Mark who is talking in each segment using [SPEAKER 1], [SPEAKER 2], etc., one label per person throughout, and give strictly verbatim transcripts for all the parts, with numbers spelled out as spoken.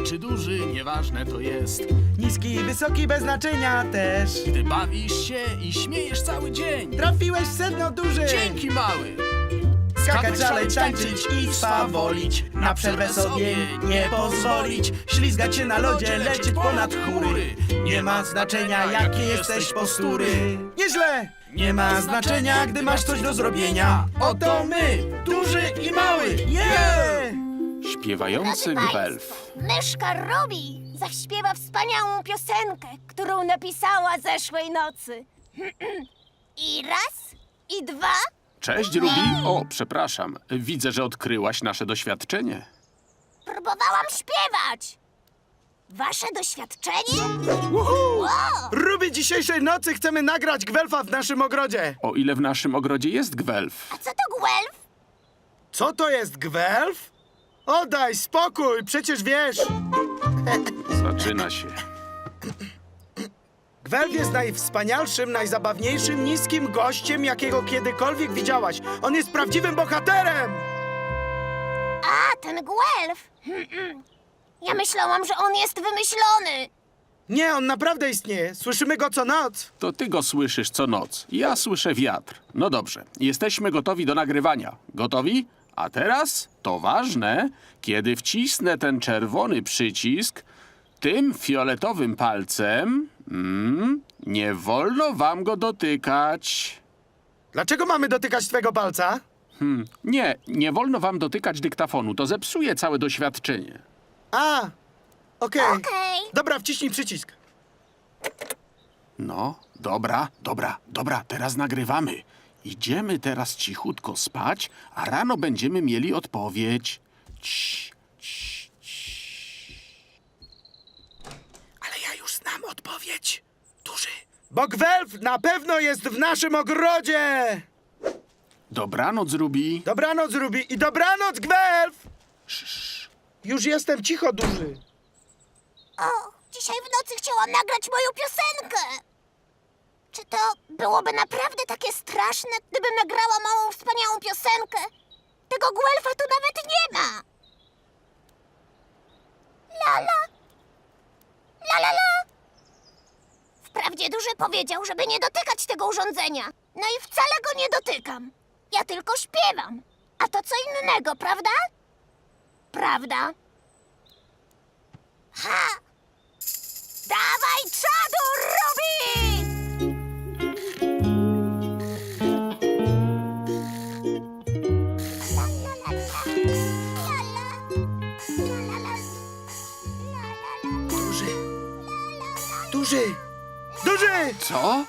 [SPEAKER 1] czy duży, nieważne to jest.
[SPEAKER 2] Niski i wysoki bez znaczenia też.
[SPEAKER 1] Gdy bawisz się i śmiejesz cały dzień.
[SPEAKER 2] Trafiłeś w sedno, duży.
[SPEAKER 1] Dzięki, mały.
[SPEAKER 2] Skakać, szaleć, tańczyć i swawolić. Na przerwę sobie nie pozwolić. Ślizgać się na lodzie, lecieć ponad chmury. Nie ma znaczenia, jakie jesteś postury. Nieźle! Nie ma znaczenia, gdy masz coś do zrobienia. Oto my, duży i mały. Yeah!
[SPEAKER 3] Śpiewający
[SPEAKER 4] Drodzy
[SPEAKER 3] gwelf.
[SPEAKER 4] państwo, myszka Ruby zaśpiewa wspaniałą piosenkę, którą napisała zeszłej nocy. I raz, i dwa.
[SPEAKER 3] Cześć, Ruby. O, przepraszam. Widzę, że odkryłaś nasze doświadczenie.
[SPEAKER 4] Próbowałam śpiewać. Wasze doświadczenie?
[SPEAKER 2] Uhu!
[SPEAKER 4] Wow!
[SPEAKER 2] Ruby, dzisiejszej nocy chcemy nagrać gwelfa w naszym ogrodzie.
[SPEAKER 3] O ile w naszym ogrodzie jest gwelf.
[SPEAKER 4] A co to gwelf?
[SPEAKER 2] Co to jest gwelf? Oddaj spokój, przecież wiesz.
[SPEAKER 3] Zaczyna się.
[SPEAKER 2] Gwelf jest najwspanialszym, najzabawniejszym, niskim gościem, jakiego kiedykolwiek widziałaś. On jest prawdziwym bohaterem!
[SPEAKER 4] A, ten gwelf. Ja myślałam, że on jest wymyślony.
[SPEAKER 2] Nie, on naprawdę istnieje. Słyszymy go co noc.
[SPEAKER 3] To ty go słyszysz co noc. Ja słyszę wiatr. No dobrze, jesteśmy gotowi do nagrywania. Gotowi? A teraz, to ważne, kiedy wcisnę ten czerwony przycisk, tym fioletowym palcem, mm, nie wolno wam go dotykać.
[SPEAKER 2] Dlaczego mamy dotykać twego palca?
[SPEAKER 3] Hmm, nie, nie wolno wam dotykać dyktafonu, to zepsuje całe doświadczenie.
[SPEAKER 2] A, okej.
[SPEAKER 4] Okej.
[SPEAKER 2] Dobra, wciśnij przycisk.
[SPEAKER 3] No, dobra, dobra, dobra, teraz nagrywamy. Idziemy teraz cichutko spać, a rano będziemy mieli odpowiedź. Cii, cii, cii.
[SPEAKER 2] Ale ja już znam odpowiedź. Duży. Bo gwelf na pewno jest w naszym ogrodzie!
[SPEAKER 3] Dobranoc, Ruby.
[SPEAKER 2] Dobranoc, Ruby, i dobranoc, gwelf! Już jestem cicho, duży.
[SPEAKER 4] O, dzisiaj w nocy chciałam nagrać moją piosenkę. Czy to byłoby naprawdę takie straszne, gdybym nagrała małą, wspaniałą piosenkę? Tego gwelfa tu nawet nie ma. Lala. La la la. Wprawdzie duży powiedział, żeby nie dotykać tego urządzenia. No i wcale go nie dotykam. Ja tylko śpiewam. A to co innego, prawda? Prawda? Ha! Dawaj czadu, Ruby! La, la, la, la. La, la. La, la, la. La, la, la.
[SPEAKER 2] Duży. Duży. Duży!
[SPEAKER 3] Co?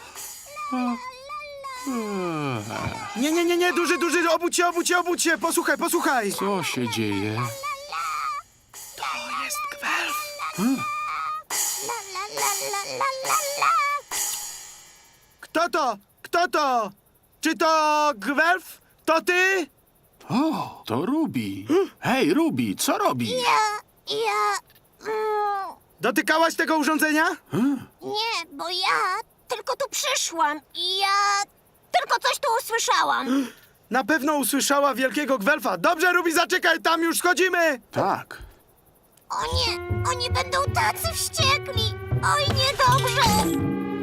[SPEAKER 2] Nie, nie, nie, nie, duży, duży, obudź się, obudź się, obudź się. Posłuchaj, posłuchaj.
[SPEAKER 3] Co się dzieje?
[SPEAKER 2] To jest gwelf.
[SPEAKER 4] La, la, la, la, la, la, la.
[SPEAKER 2] Kto to? Kto to? Czy to gwelf? To ty?
[SPEAKER 3] O, to Ruby. Hej, Ruby, co robisz?
[SPEAKER 4] Ja, ja... Mm,
[SPEAKER 2] Dotykałaś tego urządzenia?
[SPEAKER 4] nie, bo ja tylko tu przyszłam i ja tylko coś tu usłyszałam.
[SPEAKER 2] Na pewno usłyszała wielkiego gwelfa. Dobrze, Ruby, zaczekaj, tam już schodzimy.
[SPEAKER 3] Tak.
[SPEAKER 4] O nie, oni będą tacy wściekli. Oj, niedobrze.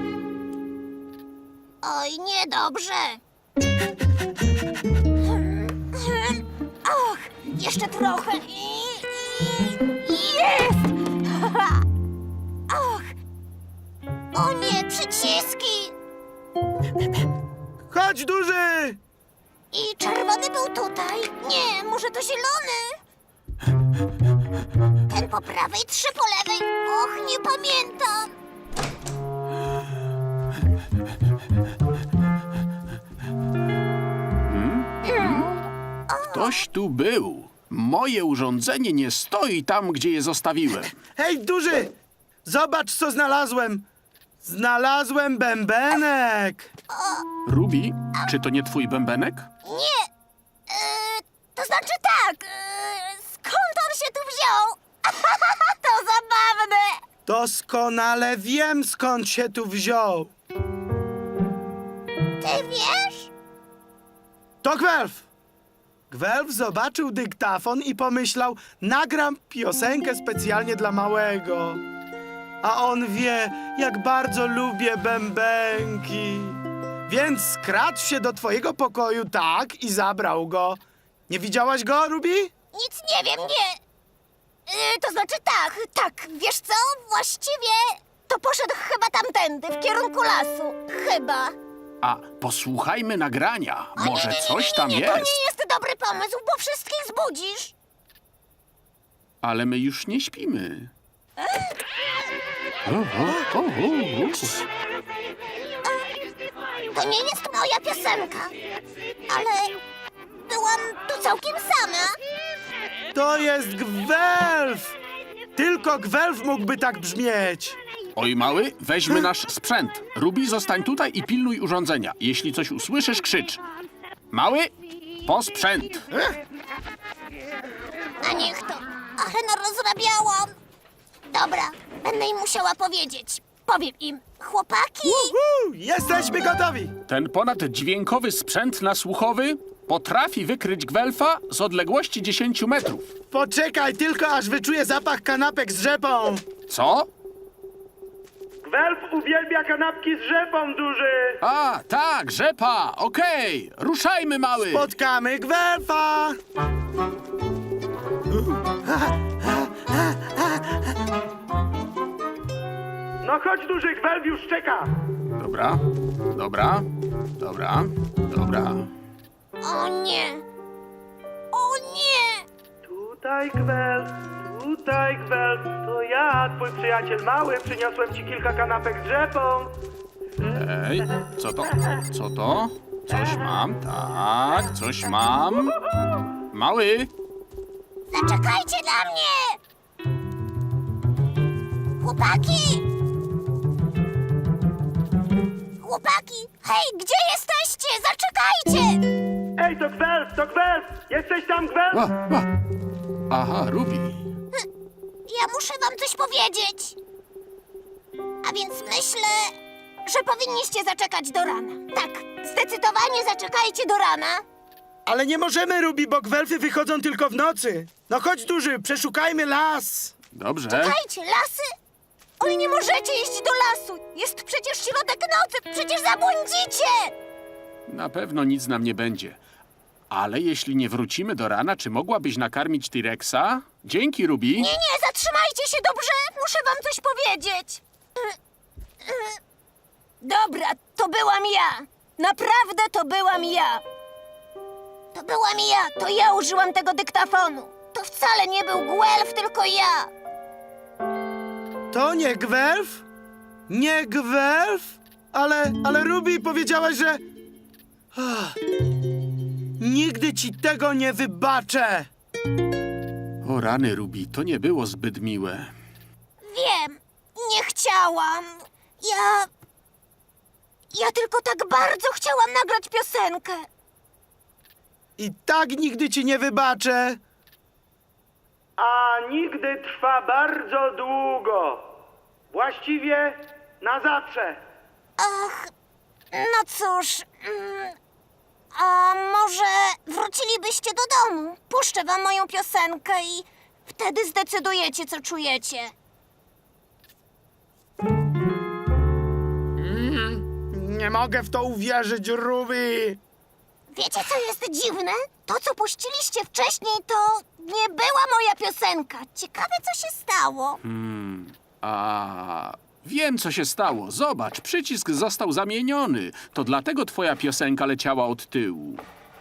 [SPEAKER 4] Oj, niedobrze. Hmm, hmm. Och, jeszcze trochę i... i jest! Och, o nie, przyciski.
[SPEAKER 2] Chodź, duży.
[SPEAKER 4] I czerwony był tutaj. Nie, może to zielony. Ten po prawej, trzy po lewej. Och, nie pamiętam.
[SPEAKER 3] Ktoś tu był. Moje urządzenie nie stoi tam, gdzie je zostawiłem.
[SPEAKER 2] Hej, duży. Zobacz, co znalazłem. Znalazłem bębenek.
[SPEAKER 3] Ruby, czy to nie twój bębenek?
[SPEAKER 4] Nie. E, to znaczy tak. E, skąd on się tu wziął? To zabawne.
[SPEAKER 2] Doskonale wiem, skąd się tu wziął.
[SPEAKER 4] Ty wiesz?
[SPEAKER 2] To gwelf. Gwelf zobaczył dyktafon i pomyślał, nagram piosenkę specjalnie dla małego. A on wie, jak bardzo lubię bębenki. Więc skradł się do twojego pokoju, tak, i zabrał go. Nie widziałaś go, Ruby?
[SPEAKER 4] Nic nie wiem, nie. Yy, to znaczy tak, tak, wiesz co? Właściwie to poszedł chyba tamtędy, w kierunku lasu. Chyba.
[SPEAKER 3] A posłuchajmy nagrania.
[SPEAKER 4] O, nie,
[SPEAKER 3] Może
[SPEAKER 4] nie, nie,
[SPEAKER 3] coś
[SPEAKER 4] nie,
[SPEAKER 3] tam
[SPEAKER 4] nie, To
[SPEAKER 3] jest.
[SPEAKER 4] nie jest dobry pomysł, bo wszystkich zbudzisz.
[SPEAKER 3] Ale my już nie śpimy. O, o, o, o, o.
[SPEAKER 4] To nie jest moja piosenka. Ale byłam tu całkiem sama.
[SPEAKER 2] To jest Gwelf! Tylko Gwelf mógłby tak brzmieć.
[SPEAKER 3] Oj, mały, weźmy nasz sprzęt. Ruby, zostań tutaj i pilnuj urządzenia. Jeśli coś usłyszysz, krzycz. Mały, po sprzęt.
[SPEAKER 4] A niech to. Ale no rozrabiałam. Dobra, będę im musiała powiedzieć. Powiem im, chłopaki.
[SPEAKER 2] Uhu, jesteśmy gotowi!
[SPEAKER 3] Ten ponaddźwiękowy sprzęt nasłuchowy potrafi wykryć Gwelfa z odległości dziesięciu metrów.
[SPEAKER 2] Poczekaj tylko, aż wyczuję zapach kanapek z rzepą.
[SPEAKER 3] Co?
[SPEAKER 2] Gwelf uwielbia kanapki z rzepą, duży.
[SPEAKER 3] A, tak, rzepa, okej. Ruszajmy, mały.
[SPEAKER 2] Spotkamy Gwelfa. No chodź, duży, Gwelf już czeka.
[SPEAKER 3] Dobra, dobra, dobra, dobra.
[SPEAKER 4] O nie. O nie.
[SPEAKER 2] Tutaj Gwelf, tutaj Gwelf. To ja, twój przyjaciel mały. Przyniosłem ci kilka kanapek z rzepą.
[SPEAKER 3] Ej, co to? Co to? Coś mam, tak, coś mam. Mały,
[SPEAKER 4] Zaczekajcie na mnie. Chłopaki. Chłopaki. Hej, gdzie jesteście? Zaczekajcie.
[SPEAKER 2] Ej, to Gwelf, to Gwelf. Jesteś tam, Gwelf?
[SPEAKER 3] a, a. Aha, Ruby.
[SPEAKER 4] Ja muszę wam coś powiedzieć. A więc myślę, że powinniście zaczekać do rana. Tak, zdecydowanie zaczekajcie do rana.
[SPEAKER 2] Ale nie możemy, Ruby, bo Gwelfy wychodzą tylko w nocy. No chodź, duży, przeszukajmy las.
[SPEAKER 3] Dobrze.
[SPEAKER 4] Czekajcie, lasy? Oj, nie możecie iść do lasu. Jest przecież środek nocy, przecież zabłądzicie.
[SPEAKER 3] Na pewno nic nam nie będzie. Ale jeśli nie wrócimy do rana, czy mogłabyś nakarmić T-Rexa? Dzięki, Ruby.
[SPEAKER 4] Nie, nie, zatrzymajcie się, dobrze? Muszę wam coś powiedzieć. Dobra, to byłam ja. Naprawdę to byłam ja. To byłam ja, to ja użyłam tego dyktafonu. To wcale nie był Gwelf, tylko ja.
[SPEAKER 2] To nie Gwelf? Nie Gwelf? Ale, ale Ruby powiedziałaś, że... Ach, nigdy ci tego nie wybaczę.
[SPEAKER 3] O rany, Ruby, to nie było zbyt miłe.
[SPEAKER 4] Wiem, nie chciałam. Ja... Ja tylko tak bardzo chciałam nagrać piosenkę.
[SPEAKER 2] I tak nigdy ci nie wybaczę. A nigdy trwa bardzo długo. Właściwie na zawsze.
[SPEAKER 4] Ach, no cóż... Mm, a może wrócilibyście do domu? Puszczę wam moją piosenkę i wtedy zdecydujecie, co czujecie.
[SPEAKER 2] Nie mogę w to uwierzyć, Ruby.
[SPEAKER 4] Wiecie, co jest dziwne? To, co puściliście wcześniej, to nie była moja piosenka. Ciekawe, co się stało.
[SPEAKER 3] A wiem, co się stało. Zobacz, przycisk został zamieniony. To dlatego twoja piosenka leciała od tyłu.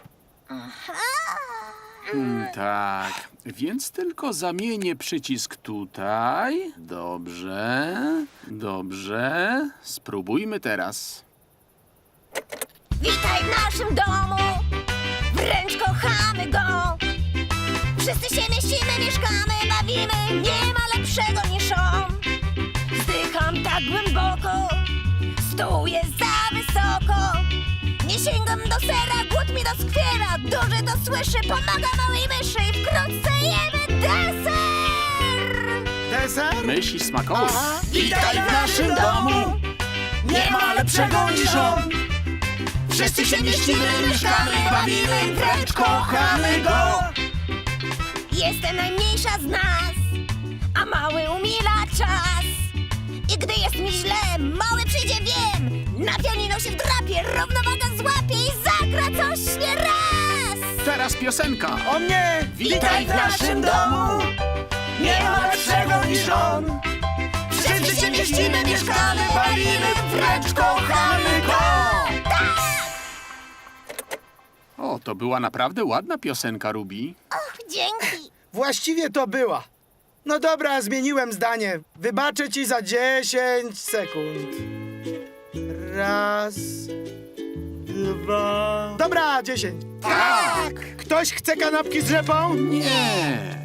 [SPEAKER 3] Hmm, tak, więc tylko zamienię przycisk tutaj. Dobrze, dobrze. Spróbujmy teraz.
[SPEAKER 4] Witaj w naszym domu, wręcz kochamy go. Wszyscy się mieścimy, mieszkamy, bawimy, nie ma lepszego niż on. Wzdycham tak głęboko, stół jest za wysoko. Nie sięgam do sera, głód mi doskwiera. Duży to słyszy, pomaga małej myszy i wkrótce jemy deser.
[SPEAKER 2] Deser?
[SPEAKER 3] Myśli smakowe.
[SPEAKER 2] Witaj w naszym domu.
[SPEAKER 3] Nie ma lepszego niż on.
[SPEAKER 2] Wszyscy się mieścimy, mieszkamy, bawimy, wręcz kochamy go.
[SPEAKER 4] Jestem najmniejsza z nas, a mały umila czas. I gdy jest mi źle, mały przyjdzie, wiem. Na pianino się wdrapie, równowaga złapie i zagra coś nie raz.
[SPEAKER 3] Teraz piosenka.
[SPEAKER 2] O mnie, witaj w naszym domu. Nie ma lepszego niż on. Wszyscy się mieścimy, mieszkamy, bawimy, wręcz kochamy go.
[SPEAKER 3] O, to była naprawdę ładna piosenka, Ruby.
[SPEAKER 4] Och, dzięki.
[SPEAKER 5] Właściwie to była. No dobra, zmieniłem zdanie. Wybaczę ci za dziesięć sekund. Raz, dwa... Dobra, dziesięć.
[SPEAKER 2] Tak.
[SPEAKER 5] Ktoś chce kanapki z rzepą?
[SPEAKER 3] Nie.